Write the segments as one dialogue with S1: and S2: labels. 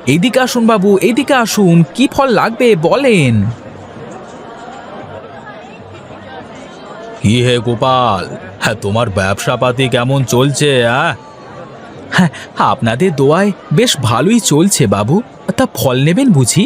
S1: এইদিকে আসুন বাবু, এইদিকে আসুন, কি ফল লাগবে বলেন।
S2: কি হে গোপাল, হ্যাঁ তোমার ব্যবসা পাতি কেমন চলছে?
S1: হ্যাঁ, আপনাদের দোয়ায় বেশ ভালোই চলছে বাবু। তা ফল নেবেন বুঝি?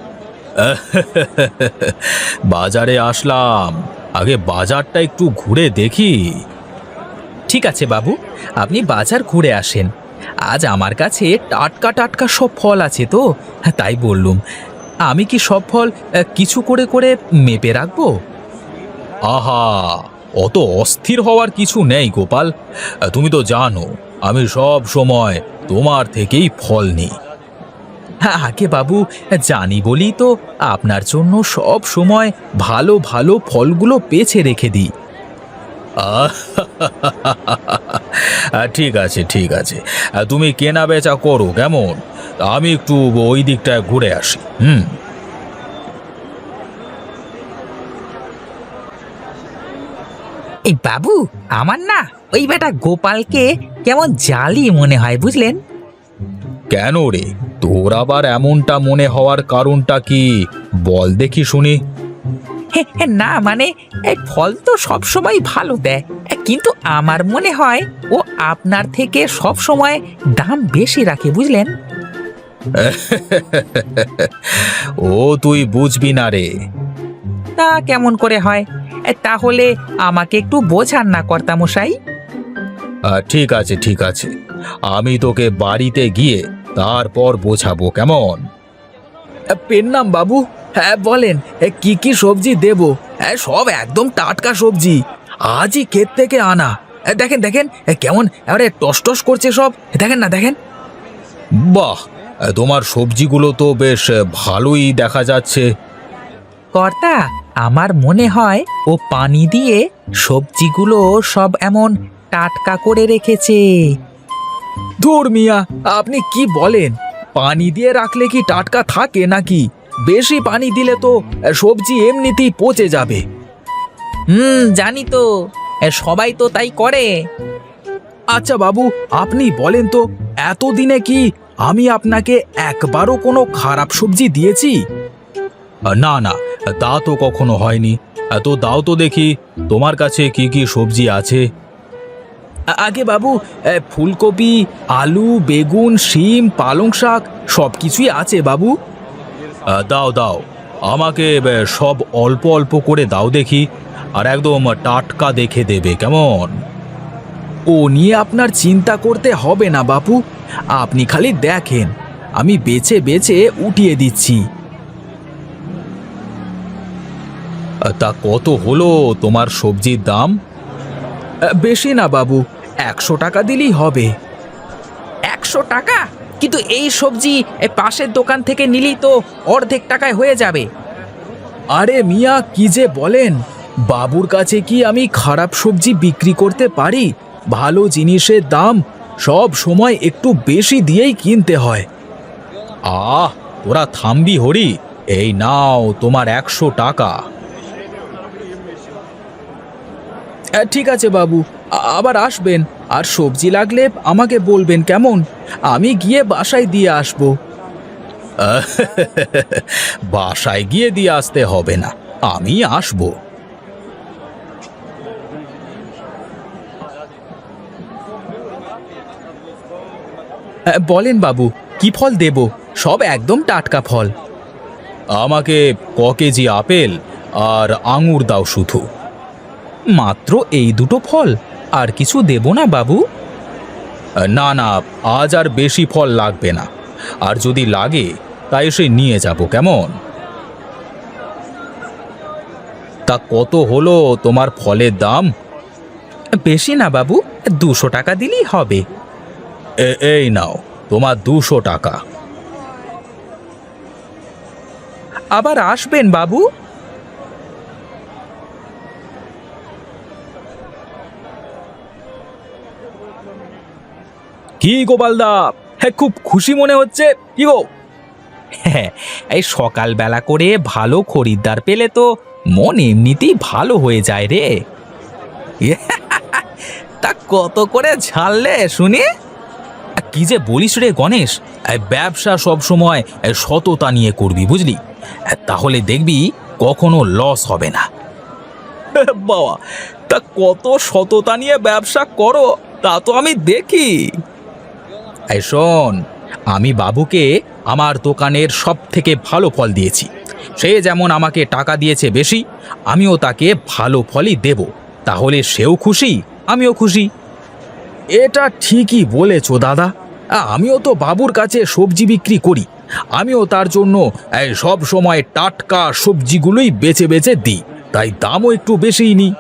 S2: বাজারে আসলাম, আগে বাজারটা একটু ঘুরে দেখি।
S1: ঠিক আছে বাবু, আপনি বাজার ঘুরে আসেন। আজ আমার কাছে টাটকা টাটকা সব ফল আছে তো, তাই বললুম। আমি কি সব ফল কিছু করে করে মেপে রাখবো?
S2: আহা, অত অস্থির হওয়ার কিছু নেই গোপাল। তুমি তো জানো আমি সব সময় তোমার থেকেই ফল নিই।
S1: হ্যাঁ আগে বাবু, জানি বলি তো আপনার জন্য সব সময় ভালো ভালো ফলগুলো বেছে রেখে দিই।
S2: আহ, ঠিক আছে ঠিক আছে, তুমি কেনা বেচা করো কেমন, আমি একটু ওই দিকটায় ঘুরে আসি।
S3: এই বাবু, আমার না ওই বেটা গোপালকে কেমন জালি মনে হয় বুঝলেন।
S2: কেন রে, তোর আবার এমনটা মনে হওয়ার কারণটা কি বল দেখি শুনি।
S3: না মানে এই ফল তো সব সময় ভালো দেয়, কিন্তু আমার মনে হয় ও আপনার থেকে সব সময় দাম বেশি রাখে বুঝলেন।
S2: ও তুই বুঝবি না রে।
S3: তা কেমন করে হয়? তাহলে আমাকে একটু বোঝান না কর্তামশাই।
S2: ঠিক আছে ঠিক আছে, আমি তোকে বাড়িতে গিয়ে তারপর বোঝাবো কেমন।
S1: পেন নাম বাবু। হ্যাঁ বলেন, কি কি সবজি দেব? হ্যাঁ সব একদম টাটকা সবজি, আজই ক্ষেত থেকে আনা। দেখেন দেখেন, কেমন এবারে টস টস করছে সব, দেখেন না দেখেন।
S2: বাহ, তোমার সবজিগুলো তো বেশ ভালোই দেখা যাচ্ছে।
S3: কর্তা, আমার মনে হয় ও পানি দিয়ে সবজিগুলো সব এমন টাটকা করে রেখেছে।
S1: ধুর মিয়া, আপনি কি বলেন? পানি দিয়ে রাখলে কি টাটকা থাকে নাকি? বেশি পানি দিলে তো সবজি এমনিতেই পচে যাবে।
S3: জানি তো, সবাই তো তাই করে।
S1: আচ্ছা বাবু, আপনি বলেন তো, এতদিনে কি আমি আপনাকে একবারও কোনো খারাপ সবজি দিয়েছি?
S2: না না, তা তো কখনো হয়নি। তো দাও তো দেখি তোমার কাছে কি কি সবজি আছে।
S1: আগে বাবু, ফুলকপি, আলু, বেগুন, শিম, পালং শাক সব কিছুই আছে বাবু।
S2: দাও দাও, আমাকে সব অল্প অল্প করে দাও দেখি, আর একদম টাটকা দেখে দেবে কেমন।
S1: ও নিয়ে আপনার চিন্তা করতে হবে না বাপু, আপনি খালি দেখেন, আমি বেছে বেছে উঠিয়ে দিচ্ছি।
S2: তা কত হলো তোমার সবজির দাম?
S1: বেশি না বাবু, 100 টাকা দিলেই হবে।
S3: 100 টাকা? কিন্তু এই সবজি পাশের দোকান থেকে নিলেই তো অর্ধেক টাকায় হয়ে যাবে।
S1: আরে মিয়া, কি যে বলেন! বাবুর কাছে কি আমি খারাপ সবজি বিক্রি করতে পারি? ভালো জিনিসের দাম সব সময় একটু বেশি দিয়েই কিনতে হয়।
S2: আহ, তোরা থামবি হরি, এই নাও তোমার 100 টাকা।
S1: ঠিক আছে বাবু, আবার আসবেন, আর সবজি লাগলে আমাকে বলবেন কেমন? আমি গিয়ে বাসায় দিয়ে আসবো।
S2: বাসায় গিয়ে দিয়ে আসতে হবে না, আমি আসবো।
S1: বলেন বাবু, কি ফল দেব? সব একদম টাটকা ফল।
S2: আমাকে ক কেজি আপেল আর আঙুর দাও শুধু।
S1: মাত্র এই দুটো ফল? আর কিছু দেব না বাবু?
S2: না না, আজ আর বেশি ফল লাগবে না, আর যদি লাগে তাই এসে নিয়ে যাব কেমন। তা কত হলো তোমার ফলের দাম?
S1: বেশি না বাবু, 200 টাকা দিলেই হবে।
S2: এই নাও তোমার 200 টাকা।
S1: আবার আসবেন বাবু।
S2: কি গোপালদা, হ্যাঁ খুব খুশি মনে হচ্ছে, কি গো?
S1: হ্যাঁ, এই সকালবেলা করে ভালো খরিদ্দার পেলে তো মন এমনিতেই ভালো হয়ে যায় রে। তা কত করে ঝাললে শুনি?
S2: কি যে বলিস রে গণেশ, ব্যবসা সব সময় সততা নিয়ে করবি বুঝলি, তাহলে দেখবি কখনো লস হবে না। বাবা, তা কত সততা নিয়ে ব্যবসা করো তা তো আমি দেখি। এই শোন, আমি বাবুকে আমার দোকানের সব থেকে ভালো ফল দিয়েছি। সে যেমন আমাকে টাকা দিয়েছে বেশি, আমিও তাকে ভালো ফলই দেব। তাহলে সেও খুশি, আমিও খুশি।
S1: এটা ঠিকই বলেছো দাদা। আমিও তো বাবুর কাছে সবজি বিক্রি করি। আমিও তার জন্য সব সময় টাটকা সবজিগুলোই বেছে বেছে দিই, তাই দামও একটু বেশিই নিই।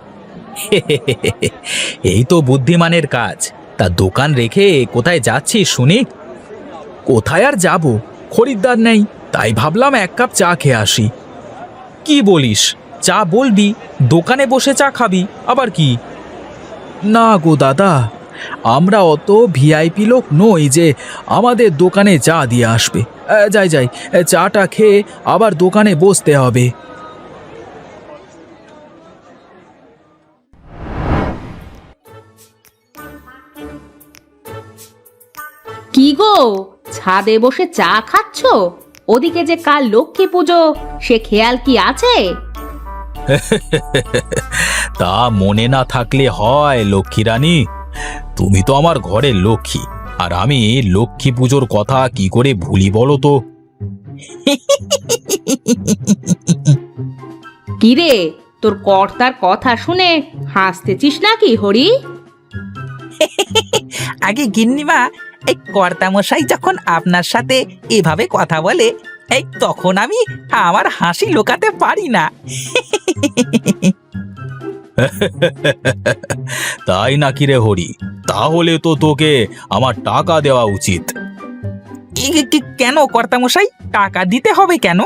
S2: এই তো বুদ্ধিমানের কাজ। তা দোকান রেখে কোথায় যাচ্ছিস শুনি?
S1: কোথায় আর যাব, খরিদ্দার নেই, তাই ভাবলাম এক কাপ চা খেয়ে আসি।
S2: কি বলিস? চা বলবি, দোকানে বসে চা খাবি আবার কি?
S1: না গো দাদা, আমরা অত ভিআইপি লোক নই যে আমাদের দোকানে চা দিয়ে আসবে। যাই যাই, চাটা খেয়ে আবার দোকানে বসতে হবে।
S4: কি গো, ছাদে বসে চা খাচ্ছ? ওদিকে যে কাল লক্ষ্মী পুজো, সে খেয়াল কি আছে?
S2: তা মনে না থাকলে হয় লক্ষ্মী রানী? তুমি তো আমার ঘরের লক্ষ্মী, আর আমি লক্ষ্মী পুজোর কথা কি করে ভুলি বলো তো?
S4: কি রে, তোর কর্তার কথা শুনে হাসতেছিস নাকি হরি?
S3: আগে গিন্নিমা, এই কর্তামশাই যখন আপনার সাথে এভাবে কথা বলে, এই তখন আমি আমার হাসি লুকাতে পারি না।
S2: তাই নাকি রে হরি? তাহলে তো তোকে আমার টাকা দেওয়া উচিত।
S3: কেন কর্তামশাই, টাকা দিতে হবে কেন?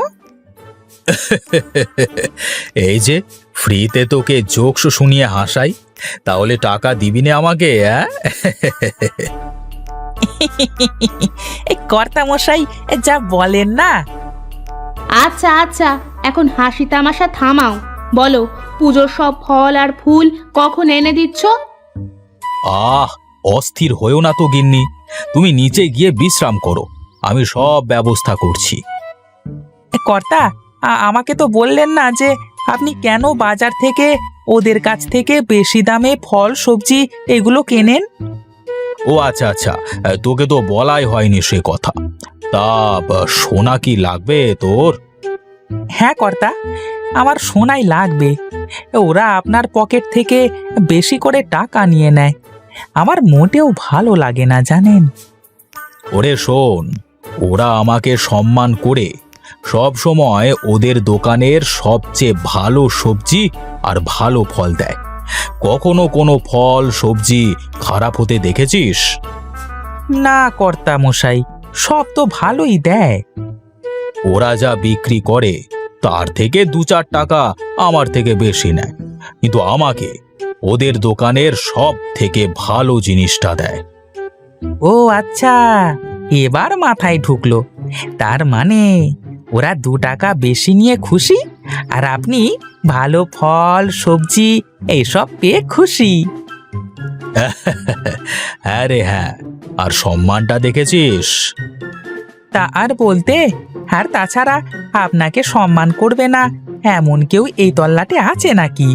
S2: এই যে ফ্রিতে তোকে জোকস শুনিয়ে হাসাই, তাহলে টাকা দিবি না আমাকে?
S3: এই কর্তামশাই যা বলেন না।
S4: আচ্ছা আচ্ছা, এখন হাসি তামাশা থামাও। বলো, পুজোর সব ফল আর ফুল কখন এনে দিচ্ছ?
S2: আহ, অস্থির হয়েও না তো গিন্নি, তুমি নিচে গিয়ে বিশ্রাম করো, আমি সব ব্যবস্থা করছি।
S3: কর্তা, আমাকে তো বললেন না যে আপনি কেন বাজার থেকে ওদের কাছ থেকে বেশি দামে ফল সবজি এগুলো কেনেন।
S2: ও আচ্ছা আচ্ছা, তোকে তো বলাই হয়নি সে কথা। তা সোনা কি লাগবে তোর?
S3: হ্যাঁ কর্তা, আমার সোনাই লাগবে। ওরা আপনার পকেট থেকে বেশি করে টাকা নিয়ে নেয়, আমার মোটেও ভালো লাগে না জানেন।
S2: ওরে শোন, ওরা আমাকে সম্মান করে সব সময় ওদের দোকানের সবচেয়ে ভালো সবজি আর ভালো ফল দেয়। কখনো কোনো ফল সবজি খারাপ হতে দেখেছিস?
S3: না কর্তা মশাই, সব তো ভালোই দেয়।
S2: ওরা যা বিক্রি করে তার থেকে 2-4 টাকা আমার থেকে বেশি নেয়, কিন্তু আমাকে ওদের দোকানের সব থেকে ভালো জিনিসটা দেয়।
S3: ও আচ্ছা, এবার মাথায় ঢুকলো। তার মানে ওরা 2 টাকা বেশি নিয়ে খুশি, আর আপনি ভালো ফল সবজি এইসব পেয়ে খুশি।
S2: হ্যাঁ রে হ্যাঁ, আর সম্মানটা দেখেছিস?
S3: তা আর বলতে, আর তাছাড়া আপনাকে সম্মান করবে না এমন কেউ এই তল্লাটে আছে নাকি?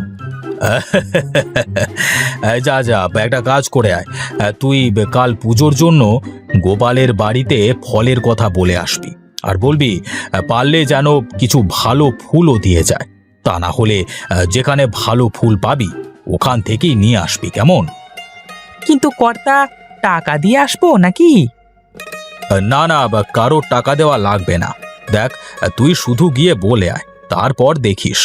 S2: যা যা, একটা কাজ করে আয়, তুই কাল পুজোর জন্য গোপালের বাড়িতে ফলের কথা বলে আসবি, আর বলবি পারলে যেন কিছু ভালো ফুলও দিয়ে যায়। তা না হলে যেখানে ভালো ফুল পাবি ওখান থেকেই নিয়ে আসবি, কেমন?
S3: কিন্তু কর্তা, টাকা দিয়ে আসবো নাকি?
S2: না না, কারোর টাকা দেওয়া লাগবে না। দেখ, তুই শুধু গিয়ে বলে আয়, তারপর দেখিস।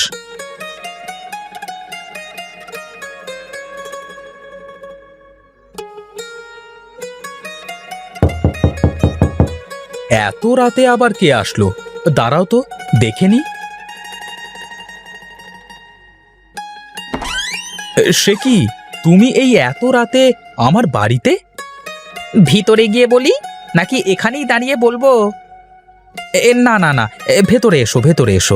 S2: এত রাতে আবার কে আসলো? দাঁড়াও তো দেখে নি। সে কি, তুমি এই এত রাতে আমার বাড়িতে?
S3: ভিতরে গিয়ে বলি নাকি এখানেই দাঁড়িয়ে বলবো?
S2: না না না, ভেতরে এসো, ভেতরে এসো।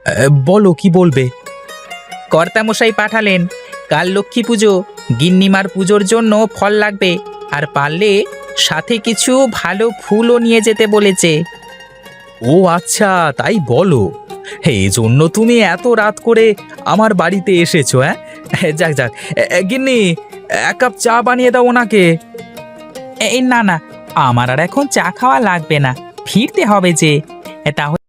S2: বলো কি বলবে?
S3: কর্তামশাই পাঠালেন, কাল লক্ষ্মী পুজো, গিন্নিমার পুজোর জন্য ফল লাগবে, আর পারলে সাথে কিছু ভালো ফুলও নিয়ে যেতে বলেছে।
S2: ও আচ্ছা, তাই বলো। এই জন্য তুমি এত রাত করে আমার বাড়িতে এসেছো? যাক যাক, গিন্নি, এক কাপ চা বানিয়ে দাও ওনাকে।
S3: এই না না, আমার আর এখন চা খাওয়া লাগবে না, ফিরতে হবে যে। তাহলে